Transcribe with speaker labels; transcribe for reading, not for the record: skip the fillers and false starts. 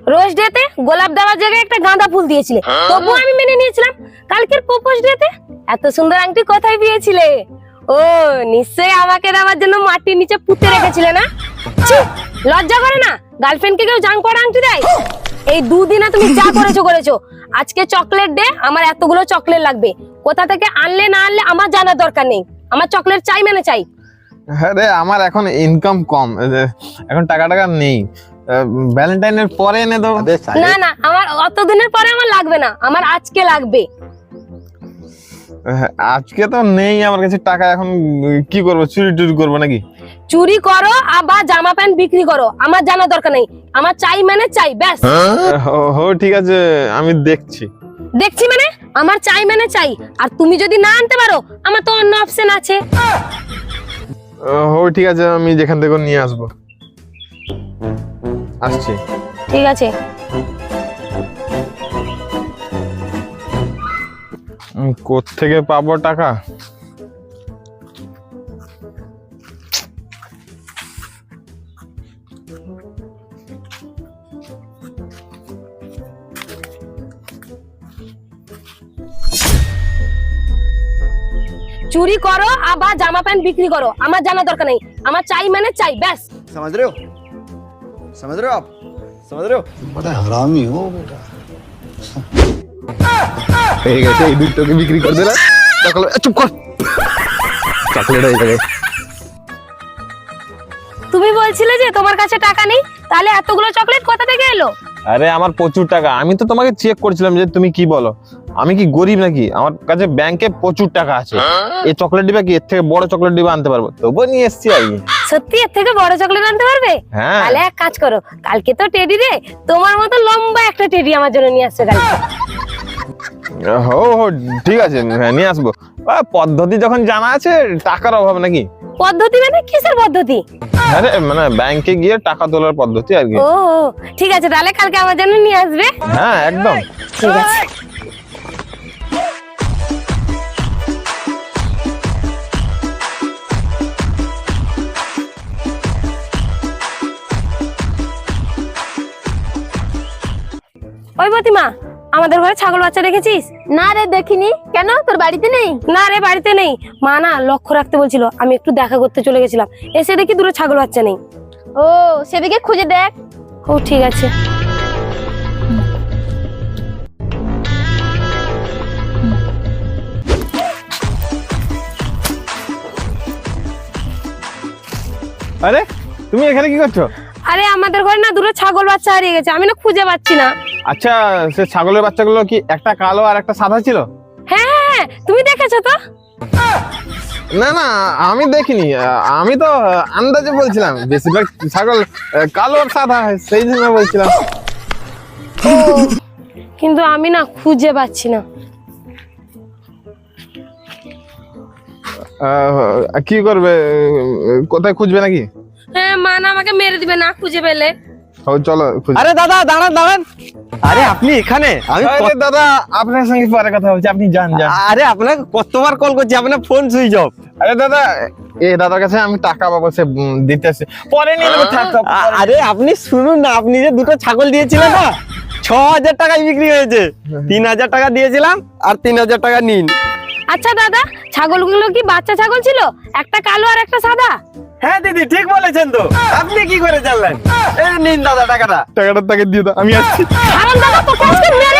Speaker 1: রোজ ডেতে গোলাপ দেওয়ার জায়গায় একটা গাঁদা ফুল দিয়েছিলে, তবু আমি মেনে নিয়েছিলাম। কালকের প্রপোজ ডেতে এত সুন্দর আংটি কোথায় পেয়েছিলে? ও নিশ্চয়ই আমাকে দেওয়ার জন্য মাটির নিচে পুঁতে রেখেছিলে না? ছি, লজ্জা করে না? গার্লফ্রেন্ডকে কেউ জাং পড়া আংটি দেয়? এই দুদিনে তুমি যা করেছো। আজকে চকলেট ডে, আমার এতগুলো চকলেট লাগবে। কোথা থেকে আনলে না আনলে আমার জানার দরকার নেই, আমার চকলেট চাই মানে চাই।
Speaker 2: আরে আমার এখন ইনকাম কম, এখন টাকা নেই, ভ্যালেন্টাইনের পরে এনে দেবো।
Speaker 1: না আমার অত দিনের পরে আমার লাগবে না, আমার আজকে লাগবে।
Speaker 2: আজকে তো নেই আমার কাছে টাকা, এখন কি করবো? চুরি করবো নাকি?
Speaker 1: চুরি করো আবার জামা প্যান্ট বিক্রি করো, আমার জানার দরকার নেই, আমার চাই মানে চাই, ব্যাস।
Speaker 2: হো ঠিক আছে, আমি দেখছি
Speaker 1: মানে আমার চাই মানে চাই। আর তুমি যদি না আনতে পারো, আমার তো অন্য অপশন আছে।
Speaker 2: হো ঠিক আছে, আমি যেখান থেকে নিয়ে আসবো। আসছি।
Speaker 1: ঠিক আছে।
Speaker 2: কোত্থেকে পাবো টাকা?
Speaker 1: চুরি করো আবার জামা প্যান্ট বিক্রি করো, আমার জানার দরকার নেই, আমার চাই মানে চাই, ব্যাস।
Speaker 3: समझ रहे हो आप समझ रहे हो?
Speaker 4: बड़ा हरामी हो बेटा।
Speaker 2: হয়ে গেছে, এই দুটোকে বিক্রি করে দিলাম। চুপ কর, চকলেট হয়ে যাবে।
Speaker 1: তুমি বলছিলে যে তোমার কাছে টাকা নেই, তাহলে এতগুলো চকলেট কোথা থেকে এলো?
Speaker 2: আরে আমার প্রচুর টাকা, আমি তো তোমাকে চেক করছিলাম যে তুমি কি বলো। আমি কি গরিব নাকি? আমার কাছে ব্যাংকে প্রচুর টাকা আছে। এই চকলেট ডিবা কি এর থেকে বড় চকলেট ডিবা আনতে পারবো? তবুও নিয়ে এসছি আর কি।
Speaker 1: সত্যি এর থেকে বড় চকলেট আনতে পারবে?
Speaker 2: হ্যাঁ।
Speaker 1: তাহলে এক কাজ করো, কালকে তো টেডি রে, তোমার মতো লম্বা একটা টেডি আমার জন্য নিয়ে আসছো কালকে।
Speaker 2: হো ঠিক আছে, হ্যাঁ নিয়ে আসবো। পদ্ধতি যখন জানা আছে, টাকার অভাব নাকি?
Speaker 1: পদ্ধতি মানে কিসের পদ্ধতি?
Speaker 2: আরে মানে ব্যাংকে গিয়ে টাকা তোলার পদ্ধতি আর কি।
Speaker 1: ও ঠিক আছে, তাহলে কালকে আমার জন্য নিয়ে আসবে।
Speaker 2: হ্যাঁ একদম
Speaker 1: ঠিক আছে। ওই প্রতিমা, আমাদের ঘরে ছাগল বাচ্চা রেখেছিস?
Speaker 5: না রে দেখিনি। কেন, তোর বাড়িতে নেই?
Speaker 1: না রে, বাড়িতে নেই। মা না লক্ষ্য রাখতে বলছিল, আমি একটু দেখা করতে চলে গেছিলাম, এসে দেখি দুটো ছাগল বাচ্চা নেই।
Speaker 5: ও সেদিকে খুঁজে দেখ।
Speaker 1: ও ঠিক আছে।
Speaker 2: আরে তুমি এখানে কি করছো?
Speaker 1: আরে আমাদের ঘরে না দুটো ছাগল বাচ্চা হারিয়ে গেছে, আমি না খুঁজে পাচ্ছি না।
Speaker 2: আচ্ছা, সে ছাগলের বাচ্চাগুলো কি একটা কালো আর একটা সাদা ছিল?
Speaker 1: হ্যাঁ, তুমি দেখেছো তো?
Speaker 2: না আমি দেখিনি, আমি তো আন্দাজে বলছিলাম। বেশিরভাগ ছাগল কালো আর সাদা হয়, সেই জন্য বলছিলাম।
Speaker 1: কিন্তু আমি না খুঁজে পাচ্ছি না।
Speaker 2: কি করবে? কোথায় খুঁজবে নাকি?
Speaker 1: হ্যাঁ, মা না আমাকে মেরে দিবে না খুঁজে পেলে।
Speaker 2: চলো খুঁজে।
Speaker 3: আরে দাদা দাঁড়ান। আরে আপনি এখানে?
Speaker 2: আরে দাদা, আপনার সঙ্গে পরে কথা বলছি, আপনি যান।
Speaker 3: আরে আপনাকে কতবার কল করছি, আপনার ফোন সুইচ অফ।
Speaker 2: আরে দাদা, এই দাদার কাছে আমি টাকা পাবো, সে দিতে আসছে, পরে নিয়ে নেবো।
Speaker 3: আরে আপনি শুনুন না, আপনি যে দুটো ছাগল দিয়েছিলেন না, 6,000 টাকায় বিক্রি হয়েছে। 3,000 টাকা দিয়েছিলাম, আর 3,000 টাকা নিন।
Speaker 1: আচ্ছা দাদা, ছাগলগুলো কি বাচ্চা ছাগল ছিল? একটা কালো আর একটা সাদা?
Speaker 3: হ্যাঁ দিদি, ঠিক বলেছেন তো। আপনি কি করে জানলেন? এই নিন দাদা টাকাটা।
Speaker 2: টাকাটা তাকে দিয়ে দাও, আমি আসছি।
Speaker 1: দাদা তোকে আজকে মেরে